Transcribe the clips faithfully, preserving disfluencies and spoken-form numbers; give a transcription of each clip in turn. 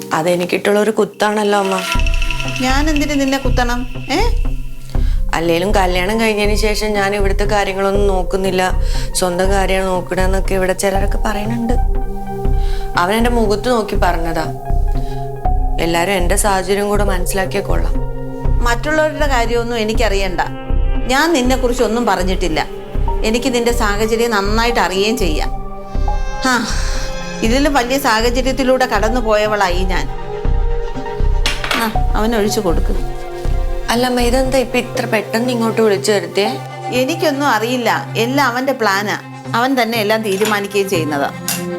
അതെനിക്കിട്ടുള്ള ഒരു കുത്താണല്ലോ അമ്മ. ഞാൻ എന്തിനു നിന്നെ കുത്തണം? ഏ അല്ലേലും കല്യാണം കഴിഞ്ഞതിന് ശേഷം ഞാൻ ഇവിടുത്തെ കാര്യങ്ങളൊന്നും നോക്കുന്നില്ല, സ്വന്തം കാര്യമാണ് നോക്കണെന്നൊക്കെ ഇവിടെ ചിലരൊക്കെ പറയുന്നുണ്ട്. അവൻ എൻ്റെ മുഖത്ത് നോക്കി പറഞ്ഞതാ. എല്ലാരും എൻ്റെ സാഹചര്യം കൂടെ മനസ്സിലാക്കിയ കൊള്ളാം. മറ്റുള്ളവരുടെ കാര്യമൊന്നും എനിക്കറിയണ്ട. ഞാൻ നിന്നെ കുറിച്ച് ഒന്നും പറഞ്ഞിട്ടില്ല. എനിക്ക് നിന്റെ സാഹചര്യം നന്നായിട്ട് അറിയുകയും ചെയ്യാം. ആ ഇതിലും വലിയ സാഹചര്യത്തിലൂടെ കടന്നു പോയവളായി ഞാൻ. ആ അവനൊഴിച്ചു കൊടുക്ക്. അല്ലമ്മ, ഇതെന്താ ഇപ്പൊ ഇത്ര പെട്ടെന്ന് ഇങ്ങോട്ട് വിളിച്ചു വരുത്തിയേ? എനിക്കൊന്നും അറിയില്ല. എല്ലാം അവന്റെ പ്ലാനാ. അവൻ തന്നെ എല്ലാം തീരുമാനിക്കുകയും ചെയ്യുന്നതാ.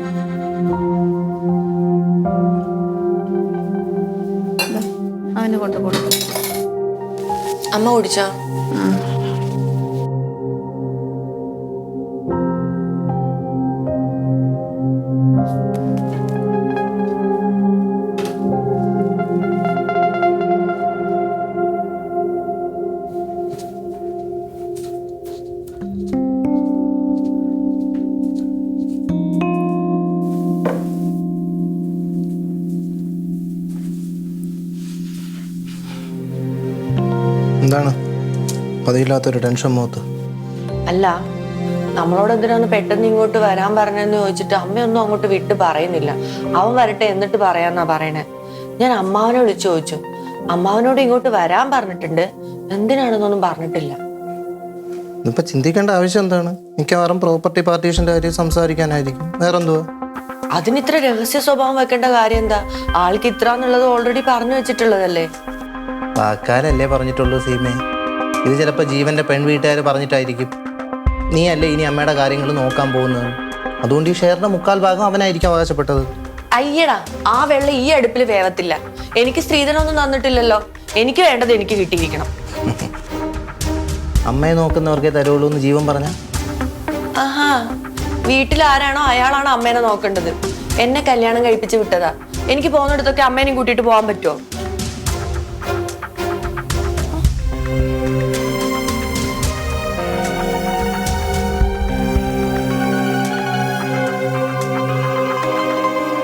അവന് കൊണ്ട് കൊടുക്കും. അമ്മ കുടിച്ചോ? എന്താണ് പതിയില്ലാത്തൊരു ടെൻഷൻ മുഖത്ത്? അല്ല, നമ്മളോട് എന്തിനാന്ന് പെട്ടെന്ന് ഇങ്ങോട്ട് വരാൻ പറഞ്ഞെന്ന് ചോദിച്ചിട്ട് അമ്മയൊന്നും അങ്ങോട്ട് വിട്ട് പറയുന്നില്ല. അവൻ വരട്ടെ എന്നിട്ട് പറയാന്നാ പറയണേ. ഞാൻ അമ്മാവനെ വിളിച്ചു ചോദിച്ചു. അമ്മാവനോട് ഇങ്ങോട്ട് വരാൻ പറഞ്ഞിട്ടുണ്ട്, എന്തിനാണെന്നൊന്നും പറഞ്ഞിട്ടില്ല. ഇപ്പൊ ചിന്തിക്കേണ്ട ആവശ്യം എന്താണ്? മിക്കവാറും പ്രോപ്പർട്ടി പാർട്ടീഷന്റെ കാര്യം സംസാരിക്കാനായിരിക്കും. വേറെന്തുവാ? അതിന് ഇത്ര രഹസ്യ സ്വഭാവം വെക്കേണ്ട കാര്യം എന്താ? ആൾക്ക് ഇത്ര എന്നുള്ളത് ഓൾറെഡി പറഞ്ഞു വെച്ചിട്ടുള്ളതല്ലേ. വാക്കാലല്ലേ പറഞ്ഞിട്ടുള്ളൂ സീമേ. ഇത് ചിലപ്പോൾ ജീവന്റെ പെൺവീട്ടുകാർ പറഞ്ഞിട്ടായിരിക്കും. നീ അല്ലേ ഇനി അമ്മയുടെ കാര്യങ്ങൾ നോക്കാൻ പോകുന്നത്. അതുകൊണ്ട് ഈ ഷെയറിന്റെ മുക്കാൽ ഭാഗം അവനായിരിക്കും അവകാശപ്പെട്ടത്. അയ്യടാ, ആ വെള്ളം ഈ അടുപ്പിൽ വേവത്തില്ല. എനിക്ക് സ്ത്രീധനൊന്നും തന്നിട്ടില്ലല്ലോ. എനിക്ക് വേണ്ടത് എനിക്ക് കിട്ടിയിരിക്കണം. അമ്മയെ നോക്കുന്നവർക്കേ തരുള്ളൂ എന്ന് ജീവൻ പറഞ്ഞ? ആഹാ, വീട്ടിൽ ആരാണോ അയാളാണ് അമ്മേനെ നോക്കേണ്ടത്. എന്നെ കല്യാണം കഴിപ്പിച്ച് വിട്ടതാ. എനിക്ക് പോകുന്നിടത്തൊക്കെ അമ്മേനെയും കൂട്ടിയിട്ട് പോകാൻ പറ്റുമോ?